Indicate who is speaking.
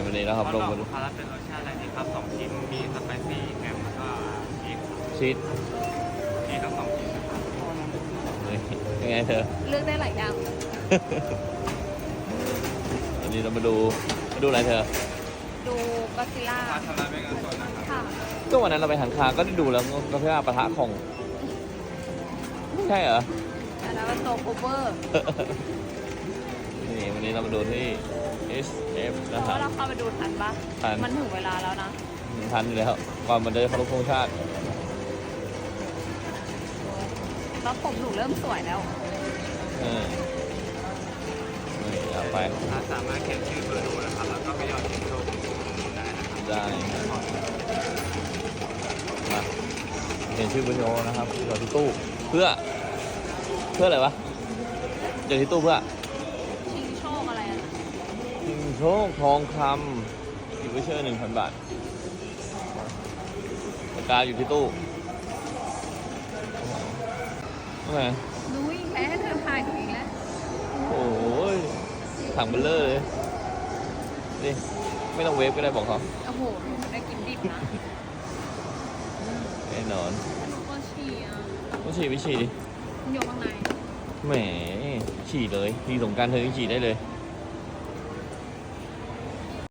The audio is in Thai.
Speaker 1: วันนี้นะครับลงมาดู
Speaker 2: คาราเป็นรสชาติอะไรดีครับ2ชิ้นมีสไปซี่แฮมแล้วก็
Speaker 1: ชีส
Speaker 2: ทั้ง2ชิ้นนะครับ
Speaker 1: ยังไงเธอ
Speaker 3: เลือกได้หลายอย่าง
Speaker 1: วันนี้เรามาดูอะไรเธอ
Speaker 3: ดูก็ซิล่า
Speaker 2: ชำระเป็นเงินสดนะครับ
Speaker 3: ค่ะ
Speaker 1: ก็วันนั้นเราไปหันคาก็ได้ดูแล้วก็เพื่อปะทะของไม่ใช่เหรอ
Speaker 3: อันนั้นเป็นโซโคเวอร์
Speaker 1: นี่วันนี้เรามาดูที่ SF
Speaker 3: เพ
Speaker 1: นะ
Speaker 3: ราะ
Speaker 1: ครับ
Speaker 3: ว่าเราเข้าไปดูทันปะ
Speaker 1: ทัน
Speaker 3: มันถึงเวลาแล้วนะ
Speaker 1: ทันอยู่แล้วก่อนมันจะเคารพธงชาติ
Speaker 3: แล้วผมหนูเริ่มสวยแล้ว
Speaker 1: เออนี่เอาไป
Speaker 2: ลูกค้าสามารถเขียนชื่อเบอร์โทรนะครับแล้วก็ไปหยอดเหรียญโชว์ได้นะครับ
Speaker 1: ได้มาเขียนชื่อเบอร์โทรนะครับหยอดที่ตู้เพื่ออะไรวะหยอดที่ตู้เพื่อ
Speaker 3: ชิงโชคอะไรอะ
Speaker 1: ชิงโชคทองคำอยู่วิเชอร์ 1,000 บาทปากกาอยู่ที่ตู้ทำไม
Speaker 3: รู้อีกแล้วเธอถ่ายถูกอีกแล้ว
Speaker 1: โอ้ยถังเบลเลอร์เลยนี่ไม่ต้องเวฟก็ได้บอกเขา
Speaker 3: โอ้โหหนูได้กินดิบนะ
Speaker 1: แน่นอน
Speaker 3: หนูก็ฉี่อ่ะ
Speaker 1: ต้องฉี่ไม่ฉี่ดิ
Speaker 3: มันอยู่ข้างใน
Speaker 1: แหมฉี่เลยทีสงกรารเธอยังฉี่ได้เลย
Speaker 3: อ